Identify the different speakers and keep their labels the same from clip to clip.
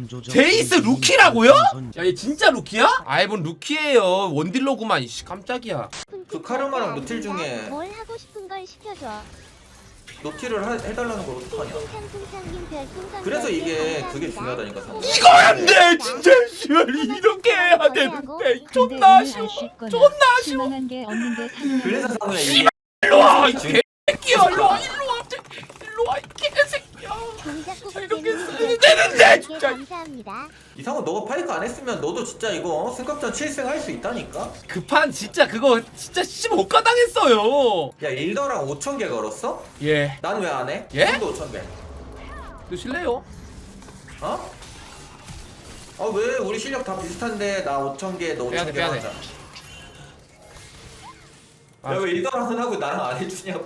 Speaker 1: 제이스 루키라고요? 야 얘 진짜 루키야? 아이 뭔 루키예요. 원딜러구만. 이씨 깜짝이야.
Speaker 2: 그 카르마랑 노틸 중에
Speaker 3: 뭘 하고 싶은 걸 시켜줘.
Speaker 2: 노틸을 해달라는 걸 어떡하냐. 그래서 이게 그게 중요하다니까.
Speaker 1: 이거 안 돼! 진짜 씨발 이렇게 해야 되는데 존나 아쉬워. 존나 아쉬워.
Speaker 2: 그래서 상우야 이게
Speaker 1: 일로 와! 이 개새끼야! 일로 와! 일로 와! 일로 와! 이 개새끼야! 이렇게 쓰면 되는데 진짜!
Speaker 3: 감사합니다.
Speaker 2: 이상호 너가 파이크 안 했으면 너도 진짜 이거 승급전 7승 할 수 있다니까.
Speaker 1: 급한 진짜 그거 진짜 15가 당했어요.
Speaker 2: 야 일더랑 5,000개 걸었어?
Speaker 1: 예.
Speaker 2: 난 왜 안 해?
Speaker 1: 예?
Speaker 2: 나도 5,000개.
Speaker 1: 드실래요?
Speaker 2: 어? 아 왜 우리 실력 다 비슷한데 나 5,000개 너
Speaker 1: 빼야 돼,
Speaker 2: 5,000개
Speaker 1: 빼야 돼.
Speaker 2: 하자.
Speaker 1: 아,
Speaker 2: 야왜 일더랑은 하고 나랑 안 해주냐고.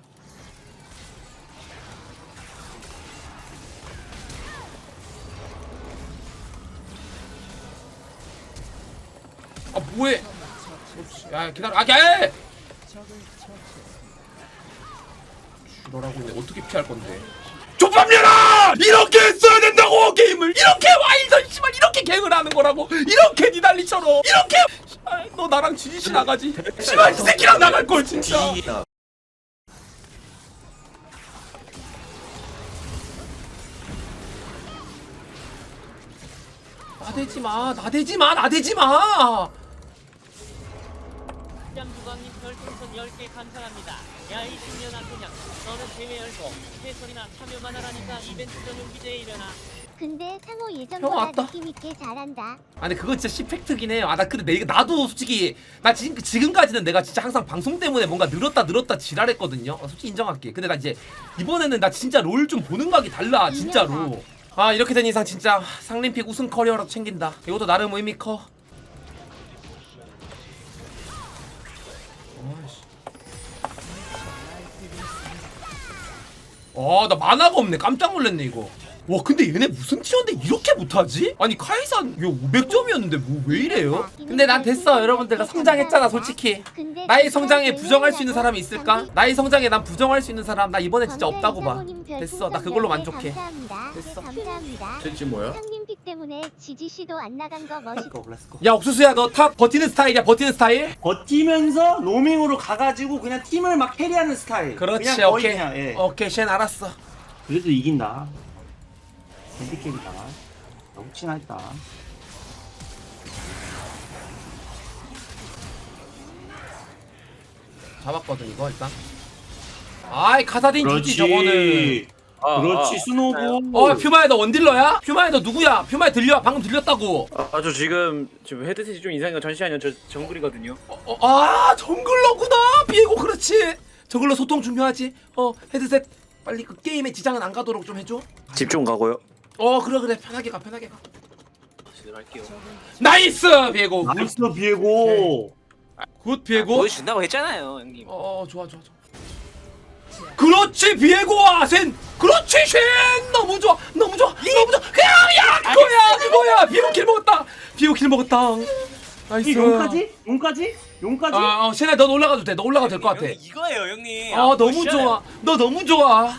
Speaker 1: 아 뭐해? 야 기다려. 아 야! 너라고 근데 어떻게 피할 건데? 족밥녀라! 이렇게 했어야 된다고 게임을 이렇게 와이전 씨발 이렇게 갱을 하는 거라고 이렇게 니달리처럼 이렇게 아, 너 나랑 지지시 나가지 씨발 이 새끼랑 나갈 걸 진짜. 나대지 마, 나대지 마, 나대지 마.
Speaker 4: 양주광님 별풍선 10개 감사합니다. 야이 중년아 그냥 너는 대회 열고 해설이나 참여만 하라니까 이벤트 전용 기재에 일어나.
Speaker 3: 근데 상호
Speaker 1: 형
Speaker 3: 예전보다
Speaker 1: 왔다.
Speaker 3: 느낌 있게 잘한다.
Speaker 1: 아 근데 그거 진짜 시팩트긴 해요. 아 나 근데 나도 솔직히 나 지금까지는 내가 진짜 항상 방송 때문에 뭔가 늘었다 지랄했거든요. 솔직히 인정할게. 근데 나 이제 이번에는 나 진짜 롤 좀 보는 각이 달라 진짜로. 아 이렇게 된 이상 진짜 상림픽 우승 커리어라도 챙긴다. 이것도 나름 의미 커. 나 만화가 없네. 깜짝 놀랐네 이거. 와 근데 얘네 무슨 티어인데 이렇게 못하지? 아니 카이산 이거 500점이었는데 뭐 왜 이래요? 근데 난 됐어 여러분들. 나 성장했잖아 솔직히. 나의 성장에 부정할 수 있는 사람이 있을까? 나의 성장에 난 부정할 수 있는 사람 나 이번에 진짜 없다고 봐. 됐어 나 그걸로 만족해. 됐어.
Speaker 3: 감사합니다.
Speaker 5: 쟤 지금 뭐야?
Speaker 3: 상림픽 때문에 지지씨도 안 나간 거 멋있다.
Speaker 1: 야 옥수수야 너 탑 버티는 스타일이야. 버티는 스타일?
Speaker 6: 버티면서 로밍으로 가가지고 그냥 팀을 막 캐리하는 스타일.
Speaker 1: 그렇지
Speaker 6: 그냥 거의
Speaker 1: 오케이.
Speaker 6: 그냥, 예.
Speaker 1: 오케이 쉔 알았어.
Speaker 6: 그래도 이긴다. 핸디캡이다. 혹시나 했다.
Speaker 1: 잡았거든 이거 일단. 아이 카사딘 주지 저거는.
Speaker 6: 그렇지 스노브.
Speaker 1: 퓨마야 너 원딜러야? 퓨마야 너 누구야? 퓨마야 들려? 방금 들렸다고.
Speaker 5: 저 지금 헤드셋이 좀 이상해요. 잠시만요. 저 정글이거든요.
Speaker 1: 정글러구나. 비에고 그렇지. 정글러 소통 중요하지. 헤드셋 빨리 그 게임에 지장은 안 가도록 좀 해줘.
Speaker 5: 집 좀 가고요.
Speaker 1: 그래 편하게 가 편하게 가.
Speaker 5: 제대로 할게요.
Speaker 1: 나이스 비에고.
Speaker 6: 나이스 비에고.
Speaker 1: 굿 비에고.
Speaker 5: 보여준다고 했잖아요, 형님.
Speaker 1: 좋아. 그렇지 비에고와 센. 그렇지 쉔. 너무 좋아. 그냥 야 그거야. 비에고 킬 먹었다. 나이스.
Speaker 6: 용까지?
Speaker 1: 쉔아 넌 올라가도 돼. 너 올라가도 될 것 같아.
Speaker 5: 이거예요, 형님.
Speaker 1: 너무 좋아. 너 너무 좋아.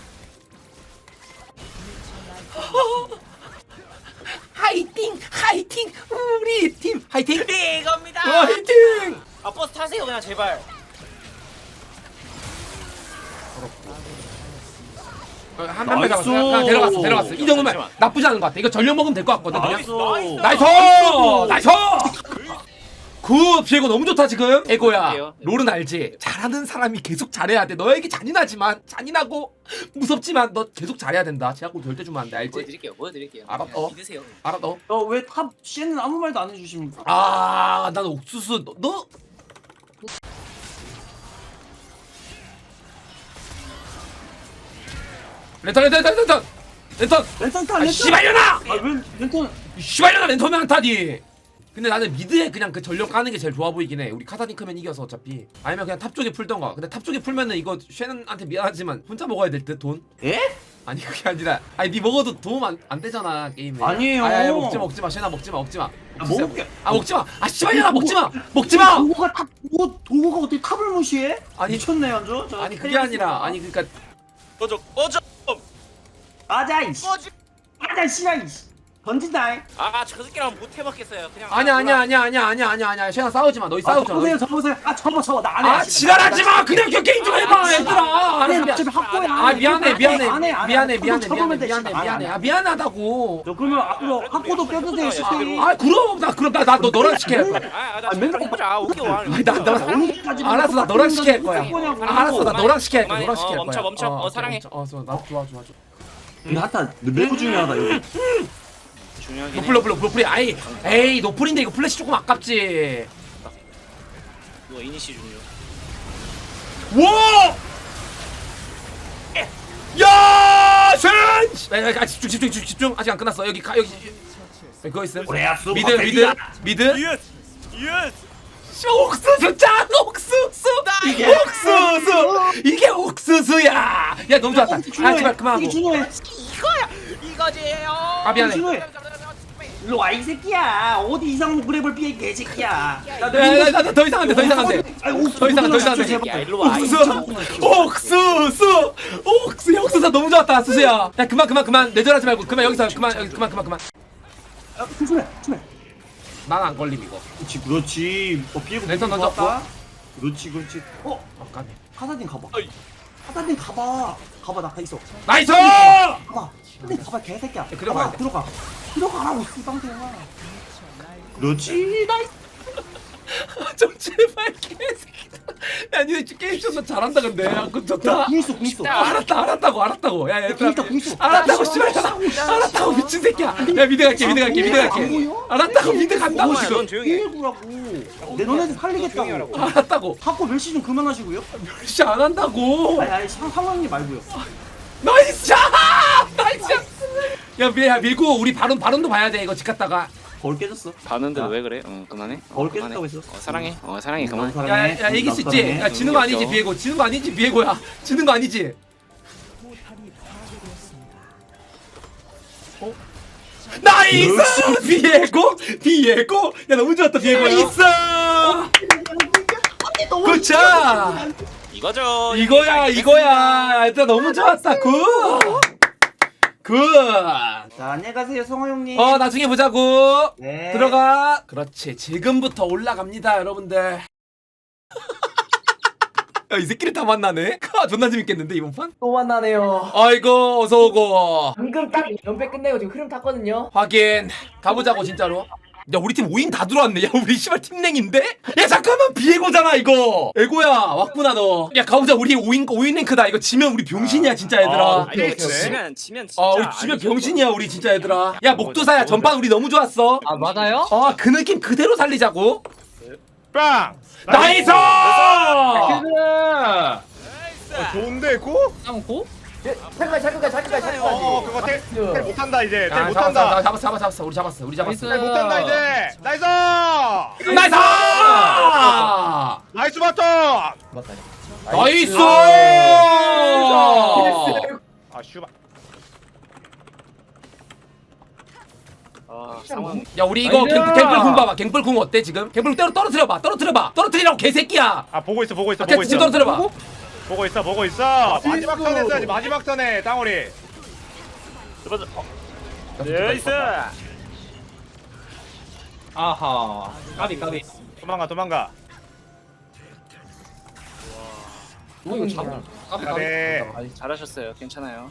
Speaker 1: 화이팅 우리 팀 화이팅.
Speaker 5: 네, 이겁니다.
Speaker 1: 화이팅.
Speaker 5: 버스 타세요, 그냥 제발.
Speaker 1: 한 배 잡았어. 그냥 데려갔어. 이 정도면
Speaker 5: 잠시만.
Speaker 1: 나쁘지 않은 것 같아. 이거 전력 먹으면 될 것 같거든. 그냥.
Speaker 6: 나이스.
Speaker 1: 나이스. 굿 비에고 너무 좋다 지금. 에고야
Speaker 5: 볼게요.
Speaker 1: 롤은 알지? 잘하는 사람이 계속 잘해야 돼. 너에게 잔인하고 무섭지만 너 계속 잘해야 된다. 제약골 절대 주면 안 돼. 알지?
Speaker 5: 보여드릴게요.
Speaker 1: 알았어.
Speaker 5: 믿으세요.
Speaker 1: 알아 너.
Speaker 6: 왜탑 씨는 아무 말도 안 해주십니까?
Speaker 1: 난 옥수수 너 랜턴
Speaker 6: 랜턴 타.
Speaker 1: 씨발려나
Speaker 6: 왜 랜턴?
Speaker 1: 씨발려나 랜턴은 안타니. 근데 나는 미드에 그냥 그 전력 까는 게 제일 좋아 보이긴 해. 우리 카사딘 크면 이겨서 어차피. 아니면 그냥 탑 쪽에 풀던가. 근데 탑 쪽에 풀면은 이거 쉐는한테 미안하지만 혼자 먹어야 될 듯 돈.
Speaker 6: 예?
Speaker 1: 아니 그게 아니라 네 먹어도 도움 안 되잖아 게임에.
Speaker 6: 아니에요.
Speaker 1: 아니, 먹지마 쉐나 먹지마.
Speaker 6: 먹을게.
Speaker 1: 먹지마. 씨발려나 먹지마.
Speaker 6: 도구가 어떻게 탑을 무시해?
Speaker 1: 아니,
Speaker 6: 미쳤네 완전.
Speaker 1: 아니 그게 아니라 그러니까
Speaker 5: 꺼져.
Speaker 6: 맞아 이씨. 맞아 씨발 이씨. 던진다.
Speaker 5: 저 새끼랑 못 해먹겠어요. 그냥.
Speaker 1: 아니야 시현아 싸우지 마. 너희 싸우지 마.
Speaker 6: 접으세요 접으세요. 접어 나 안 해.
Speaker 1: 아 지랄하지 마. 그냥 게임 좀 해봐 얘들아.
Speaker 6: 아니
Speaker 1: 알았어,
Speaker 6: 어차피 확보야.
Speaker 1: 아 미안해
Speaker 6: 접으면 돼, 씨발.
Speaker 1: 미안해. 아 미안하다고.
Speaker 6: 너 그러면 앞으로 확보도 껴주세요 시스템.
Speaker 1: 아 그럼 나 너랑 시켜야 할 거야.
Speaker 5: 나 맨날 해보자. 오케이 와.
Speaker 1: 알았어 나 너랑 시켜야 할 거야. 알았어 나 너랑 시켜야 할 거야. 너랑 시켜야 할 거야.
Speaker 5: 멈춰. 사랑해.
Speaker 1: 나 좋아.
Speaker 6: 근데 하여튼 매우 중요하다 이거.
Speaker 5: 중요하긴 해.
Speaker 1: 노플이 에이 노플인데 이거 플래시 조금 아깝지.
Speaker 5: 이거 이니시 중요.
Speaker 1: 와! 야! 쉔! 집중. 아직 안 끝났어. 여기 그거 있음. 미드. 옥수수 짠! 옥수수! 이게 옥수수야! 야 너무 좋았다. 아 제발 그만하고.
Speaker 6: 이게 중요해.
Speaker 1: 아 미안해.
Speaker 6: 중요해. 일로 와 이 새끼야. 어디 이상한 그랩을 피해 개새끼야.
Speaker 1: 나더 이상 안 돼. 더 이상 안 돼. 더 이상 안 돼.
Speaker 5: 야 일로 와.
Speaker 1: 옥수수 너무 좋았다 수수야. 야 그만 내절하지 말고 그만 여기서 그만.
Speaker 6: 조심해.
Speaker 1: 난 안 걸림 이거.
Speaker 6: 그렇지. 피해고.
Speaker 1: 랜선 던졌고.
Speaker 6: 그렇지.
Speaker 1: 까비.
Speaker 6: 카사딘 가봐. 가봐 나 있어.
Speaker 1: 나이스!
Speaker 6: 가봐 개새끼야.
Speaker 1: 들어가야 돼.
Speaker 6: 들어가라고 씨방대야. 그렇지. 나이스.
Speaker 1: 좀 제발 개새끼다. 야 니네 게임 존나 잘한다 근데. 야 그거 좋다.
Speaker 6: 궁 있어.
Speaker 1: 알았다고. 야 얘들아.
Speaker 6: 궁 있어.
Speaker 1: 알았다고 씨발. 알았다고 미친 새끼야. 야 미드 갈게. 알았다고 미드 간다고
Speaker 5: 넌
Speaker 1: 지금.
Speaker 5: 조용히 해.
Speaker 6: 피해구라고. 내 너네들 살리겠다고.
Speaker 1: 알았다고.
Speaker 6: 갖고 멸시 좀 그만하시고요.
Speaker 1: 씨 안 한다고.
Speaker 6: 아니 상황님 말고요.
Speaker 1: 나이스! 야 밀고 우리 바론도 봐야 돼 이거 집 갔다가.
Speaker 6: 거울 깨졌어.
Speaker 5: 봤는데 왜 그래? 그만해.
Speaker 6: 거울 깨졌다고 했어.
Speaker 5: 사랑해. 사랑해. 그만.
Speaker 1: 야 이길 수 있지. 야 지는 거 아니지 비에고. 지는 거 아니지 비에고야. 지는 거 아니지. 나이스! 비에고. 야 너무 좋았다 비에고. 나이스! 그차.
Speaker 5: 이거죠.
Speaker 1: 이거야. 일단 너무 좋았다. 굿.
Speaker 6: 자 안녕히 가세요 성호 형님.
Speaker 1: 나중에 보자고.
Speaker 6: 네.
Speaker 1: 들어가. 그렇지. 지금부터 올라갑니다, 여러분들. 야, 이 새끼를 다 만나네. 존나 재밌겠는데 이번 판?
Speaker 7: 또 만나네요.
Speaker 1: 아이고 어서 오고.
Speaker 7: 방금 딱 연패 끝내고 지금 흐름 탔거든요.
Speaker 1: 확인. 가보자고 진짜로. 야 우리 팀 5인 다 들어왔네. 야 우리 씨발 팀랭인데? 야 잠깐만 비에고잖아 이거. 에고야 왔구나 너. 야 가보자. 우리 5인 랭크다. 이거 지면 우리 병신이야 진짜 얘들아.
Speaker 5: 아니 지면 진짜.
Speaker 1: 우리 지면 병신이야 우리 진짜 얘들아. 야 목도사야 전반 우리 너무 좋았어.
Speaker 7: 아 맞아요?
Speaker 1: 그 느낌 그대로 살리자고.
Speaker 8: 빵!
Speaker 1: 나이스!
Speaker 8: 좋은데 고?
Speaker 7: 고? 잠깐까지.
Speaker 8: 그거 텔 못한다 이제 텔
Speaker 1: 야,
Speaker 8: 못한다
Speaker 1: 잡았어. 우리 잡았어.
Speaker 8: 텔 못한다 이제 나이스!
Speaker 1: 나이스!
Speaker 8: 나이스 바텀!
Speaker 1: 나이스!
Speaker 8: 아 슈바
Speaker 5: 상황.
Speaker 1: 야 우리 이거 갱플 궁 봐봐. 갱플 궁 어때 지금? 갱플 떨어뜨려봐. 떨어뜨리라고 개새끼야.
Speaker 8: 아 보고 있어
Speaker 1: 지금 떨어뜨려봐.
Speaker 8: 보고 있어 마지막 턴 했어야지 마지막 턴에 땅오리
Speaker 5: 나이스.
Speaker 7: 아하. 까비.
Speaker 8: 도망가
Speaker 7: 오 이거 참.
Speaker 8: 네.
Speaker 5: 잘하셨어요. 괜찮아요.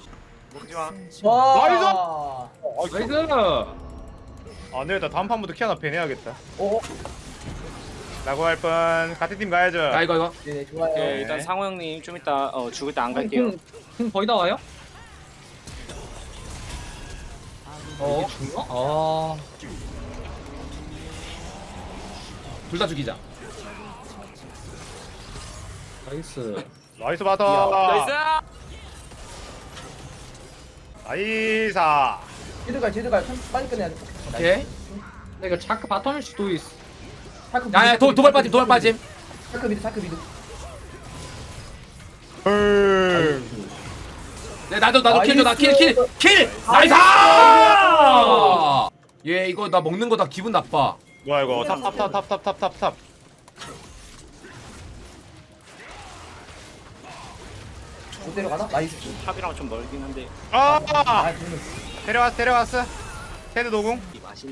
Speaker 7: 와. 나이스.
Speaker 8: 아 내가 다음 판부터 키아나 팬 해야겠다
Speaker 7: 오.
Speaker 8: 라고 할 뻔 같은 팀 가야죠
Speaker 1: 이거.
Speaker 7: 네 좋아요.
Speaker 5: 오케이, 일단 상호 형님 좀 이따 죽을 때 안 갈게요.
Speaker 7: 공 거의 다 와요? 중요?
Speaker 1: 둘 다 죽이자.
Speaker 7: 나이스.
Speaker 8: 나이스 바텀
Speaker 5: 나이스.
Speaker 8: 나이사
Speaker 7: 제드가 빨리 끝내야 돼.
Speaker 1: 오케이.
Speaker 7: 이거 자크 바텀일 수도 있어.
Speaker 1: 야야 도발 빠짐.
Speaker 7: 자크 미드.
Speaker 1: 네 나도 킬 줘. 킬. 나이스! 얘 이거 나 먹는 거 다 기분 나빠.
Speaker 8: 뭐야 이거 탑
Speaker 7: 못 데려가나? 나이스.
Speaker 5: 탑이랑 좀 멀긴 한데.
Speaker 8: 데려왔어 헤드 도궁.
Speaker 5: 맛있네.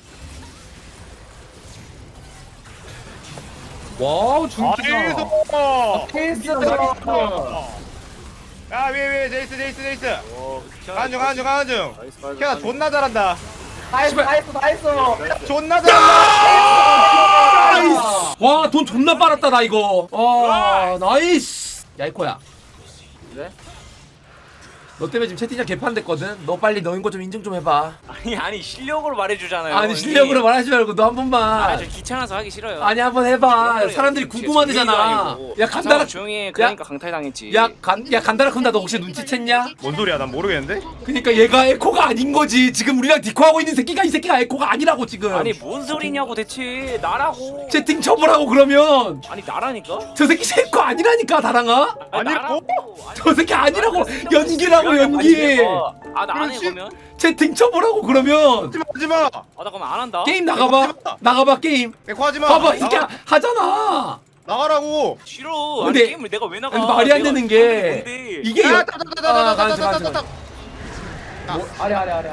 Speaker 7: 와우 중기다.
Speaker 8: 나이스.
Speaker 7: 케이스 나이스.
Speaker 8: 야 위에 제이스.
Speaker 5: 오,
Speaker 8: 가는 중. 케아 존나 잘한다.
Speaker 7: 나이스.
Speaker 8: 존나 잘한다.
Speaker 1: 나이스. 와, 돈 존나 빨았다 나 이거. 와, 나이스. 야 이코야.
Speaker 5: 네?
Speaker 1: 너 때문에 지금 채팅창 개판됐거든. 너 빨리 너인 거 좀 인증 좀 해봐.
Speaker 5: 아니 실력으로 말해주잖아요.
Speaker 1: 아니 실력으로 말하지 말고 너 한 번만.
Speaker 5: 저 귀찮아서 하기 싫어요.
Speaker 1: 아니 한번 해봐. 사람들이
Speaker 5: 진짜
Speaker 1: 궁금하대잖아.
Speaker 5: 재미도
Speaker 1: 야 간다라.
Speaker 5: 조용히 해. 그러니까 강탈 당했지.
Speaker 1: 야 간다라 쿤다 너 혹시 눈치챘냐?
Speaker 8: 뭔 소리야? 난 모르겠는데.
Speaker 1: 그니까 얘가 에코가 아닌 거지. 지금 우리랑 디코하고 있는 새끼가 이 새끼가 에코가 아니라고 지금.
Speaker 5: 아니 뭔 소리냐고 대체 나라고.
Speaker 1: 채팅 처벌하고 그러면
Speaker 5: 아니 나라니까.
Speaker 1: 저 새끼 에코 아니라니까 다랑아.
Speaker 8: 아니라고?
Speaker 5: 나라고.
Speaker 1: 저 새끼 아니라고. 연기라고 연기.
Speaker 5: 아나 안 해
Speaker 8: 그렇지.
Speaker 5: 그러면.
Speaker 1: 채팅 처벌하고 그러면
Speaker 8: 하지마.
Speaker 5: 나 그러면 안 한다.
Speaker 1: 게임 나가봐 게임.
Speaker 8: 에코 하지마.
Speaker 1: 봐봐 이 새끼야 하잖아.
Speaker 8: 나가라고.
Speaker 5: 싫어.
Speaker 1: 근데-
Speaker 5: 아니 게임을 내가 왜 나가?
Speaker 1: 아니 말이 안
Speaker 5: 내가
Speaker 1: 되는 게
Speaker 5: 뭔데?
Speaker 1: 이게
Speaker 8: 야,
Speaker 1: 가지 마.
Speaker 7: 아래.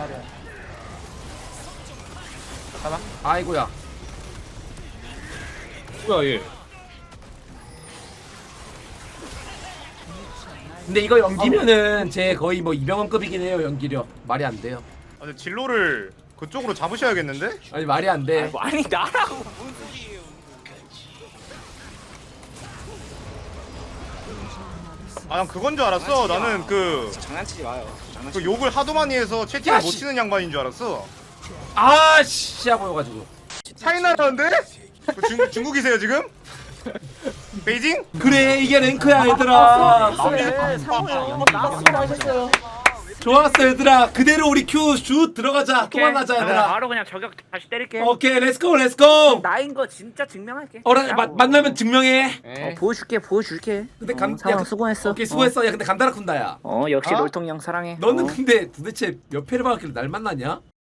Speaker 1: 아이고야.
Speaker 7: 뭐야 얘?
Speaker 1: 근데 이거 연기면은 제 거의 뭐 이병헌급이긴 해요 연기력. 말이 안 돼요.
Speaker 8: 아니 진로를 그쪽으로 잡으셔야겠는데?
Speaker 1: 아니 말이 안 돼.
Speaker 5: 아니 나라고 무슨 소리예요?
Speaker 8: 아 난 그건 줄 알았어. 나는 그
Speaker 5: 장난치지 마요.
Speaker 8: 그 욕을 하도 많이 해서 채팅을
Speaker 1: 야,
Speaker 8: 못
Speaker 1: 씨.
Speaker 8: 치는 양반인 줄 알았어.
Speaker 1: 아씨 보여가지고.
Speaker 8: 차이나라는데? 그 중국이세요 지금? 베이징?
Speaker 1: 그래 이게 랭크야 얘들아.
Speaker 7: 나이스어요.
Speaker 1: 좋았어 얘들아. 그대로 우리 큐 슛 들어가자. 또 만나자 얘들아.
Speaker 5: 바로 그냥 저격 다시 때릴게.
Speaker 1: 오케이 렛츠고.
Speaker 5: 나인 거 진짜 증명할게.
Speaker 1: 만나면 증명해.
Speaker 5: 보여줄게.
Speaker 1: 근데
Speaker 5: 상황 수고했어.
Speaker 1: 오케이 수고했어. 야 근데 간다라 쿤다야.
Speaker 5: 역시
Speaker 8: 어?
Speaker 5: 롤통형 사랑해.
Speaker 1: 너는 근데 도대체 몇 회를 받았길래 날 만나냐?